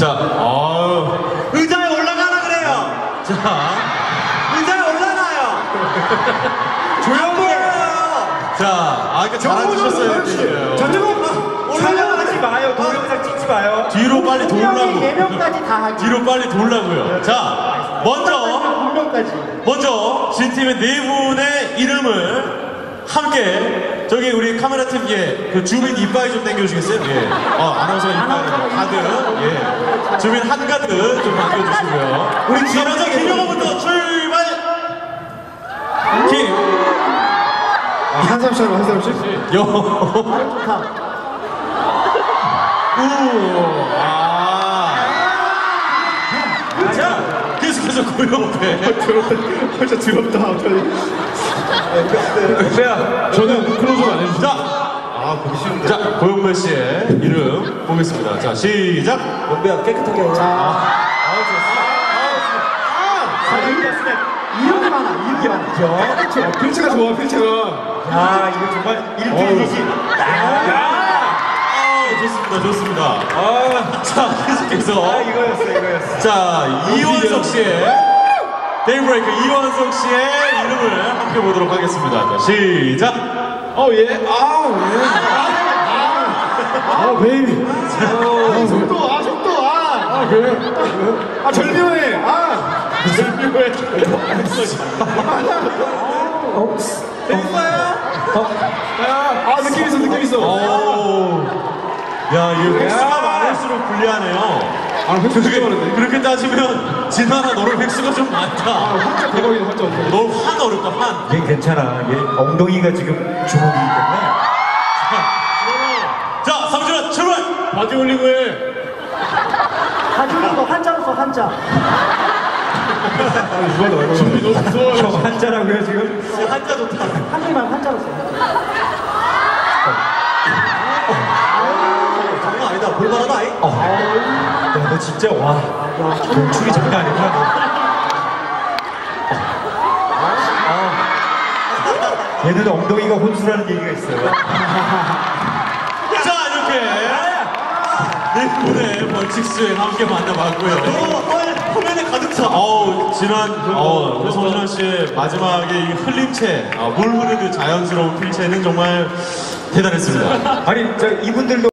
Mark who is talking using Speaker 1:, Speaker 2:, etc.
Speaker 1: 자, 의자에 올라가라 그래요. 자, 의자에 올라가요. 조용히 해요. 자, 그러니까 잘해주셨어요.
Speaker 2: 촬영하지 마요. 동영상 찍지 마요.
Speaker 1: 뒤로 빨리 돌라고.
Speaker 3: 4명까지 다 하기.
Speaker 1: 뒤로 빨리 돌라고요. 자, 먼저 진팀의 4분의 이름을 함께 저기 우리 카메라 팀 그 주민 이빨 좀 당겨주시겠어요? 아나운서가 이빨 가득 주민 한가득 좀 당겨주시고요. 우리 먼저 김영호부터 출발.
Speaker 3: 한 사람씩.
Speaker 1: 자, 계속해서 고영배.
Speaker 3: 진짜 더럽다.
Speaker 1: 저는 클로즈업 안 해주세요. 자, 고영배 씨의 이름 보겠습니다. 자, 시작.
Speaker 2: 원배야 깨끗하게 해.
Speaker 3: 이름이 많아.
Speaker 4: 필체가 좋아, 필체가.
Speaker 2: 야, 이거 정말 일필이지.
Speaker 1: 좋습니다. 자, 계속해서.
Speaker 2: 이거였어.
Speaker 1: 자, 이원석 씨의 데이브레이크 이원석 씨의 이름을 함께 보도록 하겠습니다. 자, 시작.
Speaker 4: 베이비. 속도. 그래. 절묘해. 절묘해. 느낌 있어.
Speaker 1: 야, 이 획수가 많을수록 불리하네요.
Speaker 4: 획수 진짜 많은데.
Speaker 1: 그렇게 따지면 진환아 너는 획수가 좀 많다.
Speaker 4: 혼자 대박이다, 혼자.
Speaker 1: 넌환 어렵다, 환.
Speaker 2: 얘 괜찮아. 얘 엉덩이가 지금 주먹이기 때문에.
Speaker 1: 자, 삼준아 출발.
Speaker 4: 바지 올리고 해.
Speaker 3: 가지고 거 한자로 써, 한자.
Speaker 4: 너무 무서워.
Speaker 2: 형 한자라고요 지금?
Speaker 1: 한자 좋다.
Speaker 3: 한 줄만 한자로 써.
Speaker 1: 장난 아니다. 볼만하다.
Speaker 2: 야, 너 진짜 동축이 장난 아니구나. 얘는 엉덩이가 혼수라는 얘기가 있어요.
Speaker 1: 자, 이렇게 네 분의 벌칙 수행 함께 만나봤고요. 화면에 가득 차. 진한 우리 성진환 씨의 마지막에 이 흘림체, 물 흐르듯 자연스러운 필체는 정말 대단했습니다.
Speaker 2: 아니, 이분들도